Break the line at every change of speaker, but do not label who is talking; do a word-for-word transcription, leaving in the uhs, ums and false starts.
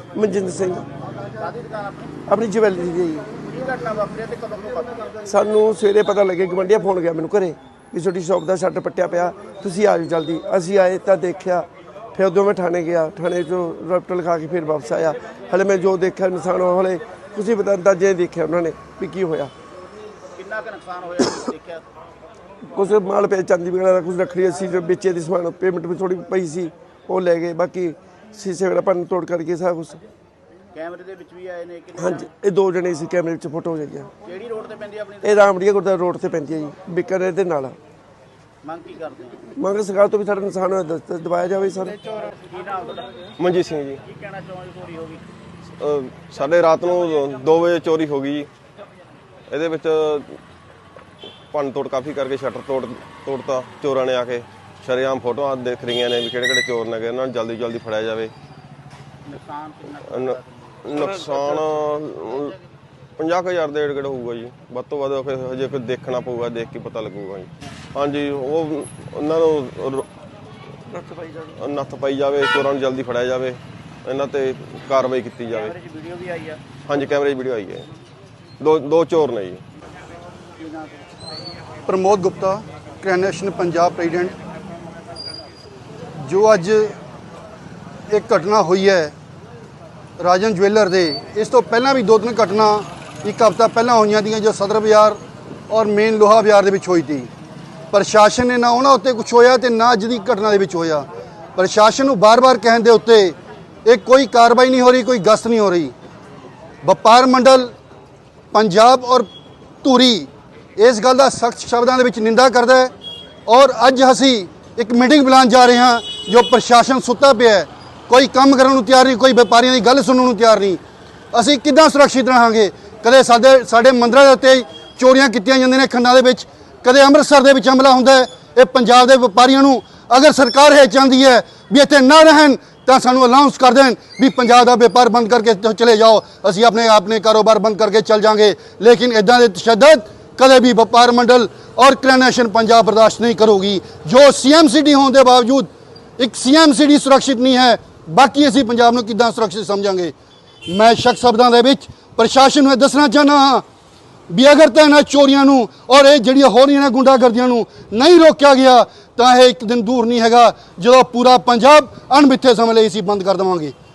ਮਨਜਿੰਦਰ ਸਿੰਘ ਆਪਣੀ ਜਵੈਲਰੀ ਦੀ। ਸਾਨੂੰ ਸਵੇਰੇ ਪਤਾ ਲੱਗੇ ਗਵੰਡੀਆ ਫੋਨ ਗਿਆ ਮੈਨੂੰ ਘਰੇ ਵੀ ਤੁਹਾਡੀ ਸ਼ੌਪ ਦਾ ਸ਼ਟਰ ਪੱਟਿਆ ਪਿਆ, ਤੁਸੀਂ ਆ ਜਾਓ ਜਲਦੀ। ਅਸੀਂ ਆਏ ਤਾਂ ਦੇਖਿਆ, ਫਿਰ ਉਦੋਂ ਮੈਂ ਥਾਣੇ ਗਿਆ, ਥਾਣੇ 'ਚੋਂ ਰਿਪੋਰਟ ਲਿਖਾ ਕੇ ਫਿਰ ਵਾਪਸ ਆਇਆ। ਹਲੇ ਮੈਂ ਜੋ ਦੇਖਿਆ ਨੁਕਸਾਨ ਹਲੇ ਤੁਸੀਂ ਪਤਾ ਅੰਦਾਜ਼ੇ ਦੇਖਿਆ ਉਹਨਾਂ ਨੇ ਵੀ ਕੀ ਹੋਇਆ।
ਕਿੰਨਾ ਕੁ ਨੁਕਸਾਨ ਹੋਇਆ ਦੇਖਿਆ?
ਕੁਛ ਮਾਲ ਪਿਆ ਚਾਂਦੀ ਵਗੈਰਾ ਦਾ, ਕੁਛ ਰੱਖੜੀ ਅਸੀਂ ਜੋ ਵੇਚੇ ਦੀ ਸਮਾਨ ਪੇਮੈਂਟ ਵੀ ਥੋੜੀ ਪਈ ਸੀ ਉਹ ਲੈ ਗਏ, ਬਾਕੀ ਸ਼ੀਸ਼ੇ ਵਗੈਰਾ ਭੰਨ ਤੋੜ ਕਰਕੇ ਸਾਰਾ ਕੁਛ।
ਕੈਮਰੇ ਦੇ ਵਿੱਚ ਵੀ ਆਏ ਨੇ ਕਿ?
ਹਾਂਜੀ, ਇਹ ਦੋ ਜਣੇ ਸੀ ਕੈਮਰੇ ਵਿੱਚ ਫੋਟੋ ਜਾਈਆਂ।
ਕਿਹੜੀ ਰੋਡ ਤੇ ਪੈਂਦੀ ਆਪਣੀ?
ਇਹ ਰਾਮੜੀਆ ਗੁਰਦੁਆਰਾ ਰੋਡ ਤੇ ਪੈਂਦੀ ਹੈ ਜੀ, ਬਿਕਾਨੇਰ ਦੇ ਨਾਲ।
ਮੰਗ ਕੀ ਕਰਦੇ ਹੋ?
ਮੰਗ ਸਰਕਾਰ ਤੋਂ ਵੀ ਸਾਡਾ ਨੁਕਸਾਨ ਹੋਇਆ ਦਵਾਇਆ ਜਾਵੇ ਸਰ।
ਕੀ ਨਾਮ ਤੁਹਾਡਾ?
ਮਨਜੀਤ ਸਿੰਘ ਜੀ।
ਕੀ ਕਹਿਣਾ ਚਾਹੁੰਦੇ ਚੋਰੀ ਹੋ ਗਈ?
ਸਾਡੇ ਰਾਤ ਨੂੰ ਦੋ ਵਜੇ ਚੋਰੀ ਹੋ ਗਈ ਜੀ। ਇਹਦੇ ਵਿੱਚ ਭੰਨ ਤੋੜ ਕਾਫੀ ਕਰਕੇ ਸ਼ਟਰ ਤੋੜ ਤੋੜਤਾ ਚੋਰਾਂ ਨੇ ਆ ਕੇ। ਸ਼ਰੇਆਮ ਫੋਟੋਆਂ ਦੇਖ ਰਹੀਆਂ ਨੇ ਵੀ ਕਿਹੜੇ ਕਿਹੜੇ ਚੋਰ ਨੇ, ਇਹਨਾਂ ਨੂੰ ਜਲਦੀ ਜਲਦੀ ਫੜਿਆ ਜਾਵੇ।
ਨੁਕਸਾਨ ਕਿੰਨਾ?
ਨੁਕਸਾਨ ਪੰਜਾਹ ਕੁ ਹਜ਼ਾਰ ਦੇ ਏੜ ਗੇੜ ਹੋਊਗਾ ਜੀ, ਵੱਧ ਤੋਂ ਵੱਧ ਹਜੇ ਕੋਈ ਦੇਖਣਾ ਪਊਗਾ, ਦੇਖ ਕੇ ਪਤਾ ਲੱਗੂਗਾ ਜੀ। ਹਾਂਜੀ, ਉਹ ਉਹਨਾਂ ਨੂੰ ਨੱਥ ਪਾਈ ਜਾਵੇ, ਚੋਰਾਂ ਨੂੰ ਜਲਦੀ ਫੜਿਆ ਜਾਵੇ, ਇਹਨਾਂ ਤੇ ਕਾਰਵਾਈ ਕੀਤੀ ਜਾਵੇ।
ਕੈਮਰੇ 'ਚ ਵੀਡੀਓ ਵੀ ਆਈ ਆ?
ਹਾਂਜੀ, ਕੈਮਰੇ 'ਚ ਵੀਡੀਓ ਆਈ ਹੈ। ਦੋ ਦੋ ਚੋਰ ਨੇ ਜੀ।
प्रमोद गुप्ता, क्रैनेशन पंजाब प्रेजिडेंट। जो अज एक घटना हुई है राजन ज्वेलर दे, इस तो पहला भी दो तीन घटना एक हफ्ता पहला हुई दी जो सदर बाजार और मेन लोहा बाजार दे विच होई थी। प्रशासन ने ना उन्होंने उत्ते कुछ होया ते ना अज दी घटना दे विच होया। प्रशासन नूं बार बार कहण दे उत्ते एक कोई कार्रवाई नहीं हो रही, कोई गश्त नहीं हो रही। वपार मंडल पंजाब और धूरी इस गल का सख्त शब्दों के निंदा करता है और अज असी एक मीटिंग बुलाने जा रहे हैं। जो प्रशासन सुता पिया है, कोई काम करने को तैयार नहीं, कोई व्यापारियों की गल सुनने को तैयार नहीं। असी किद्दां सुरक्षित रहांगे? कदे साडे साडे मंदिरां दे उत्ते चोरियां कीतियां जांदियां ने खंडां दे विच, कदे अमृतसर दे विच हमला हुंदा है। ये पंजाब दे व्यापारियों नूं अगर सरकार है चाहती है भी इत्थे ना रहन तो सानू अलाउंस कर दें भी पंजाब का व्यापार बंद करके चले जाओ, असी अपने अपने कारोबार बंद करके चल जाएंगे। लेकिन इदां दे तशद्दुद कदे भी व्यापार मंडल और क्रैनेशन पंजाब बर्दाश्त नहीं करोगी। जो सी एम सी डी होने के बावजूद एक सी एम सी डी सुरक्षित नहीं है, बाकी असी पंजाब नूं किद्दां सुरक्षित समझांगे? मैं शक शब्दां दे विच प्रशासन नूं दसना चाहना हाँ भी अगर तो इन्हां चोरियां नूं और ये जिहड़ियां हो रहीआं ने गुंडागर्दियां नूं नहीं रोकिया गया तो यह एक दिन दूर नहीं हैगा जो पूरा पंजाब अणमिथे समय लई असीं बंद कर देवांगे।